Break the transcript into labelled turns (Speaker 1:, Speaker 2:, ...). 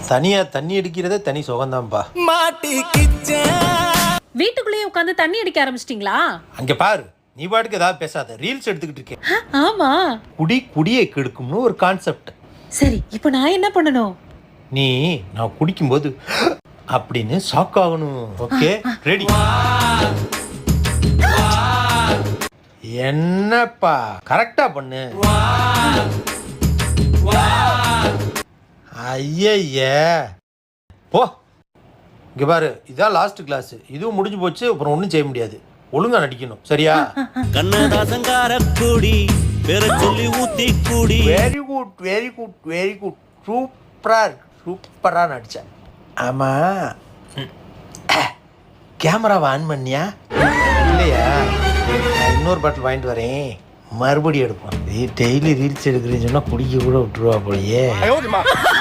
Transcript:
Speaker 1: தனியா தண்ணி அடிக்கிறதே தனி சுகம்தான்ப்பா.
Speaker 2: வீட்டுக்குள்ளேயே உட்காந்து தண்ணி அடிக்க ஆரம்பிச்சிட்டீங்களா?
Speaker 1: அங்க பாரு, நீ பாட்டுக்கு ஏதாவது பேசாத, ரீல்ஸ் எடுத்துக்கிட்டு இருக்கேன்.
Speaker 2: ஆமா,
Speaker 1: குடியை கெடுக்கும்னு ஒரு கான்செப்ட்.
Speaker 2: சரி, இப்போ நான் என்ன பண்ணணும்?
Speaker 1: நீ நான் குடிக்கும்போது அப்படின்னு ஷாக் ஆகணும். Okay, ready? என்னப்பா கரெக்டா பண்ணு. ஐய போ. இங்க பாரு, இதான் லாஸ்ட் கிளாஸ். இதுவும் முடிஞ்சு போச்சு, அப்புறம் ஒன்றும் செய்ய முடியாது. ஒழுங்கா நடிக்கணும், சரியா? Very good very good very good. சூப்பரா நடிச்சேன். ஆமா, கேமராவை ஆன் பண்ணியா இல்லையா? இன்னொரு பாட்டில் வாங்கிட்டு வரேன், மறுபடியும் எடுப்போம். டெய்லி ரீல்ஸ் எடுக்கிறேன்னு சொன்னா குடிக்க கூட விட்டுருவா போலயே.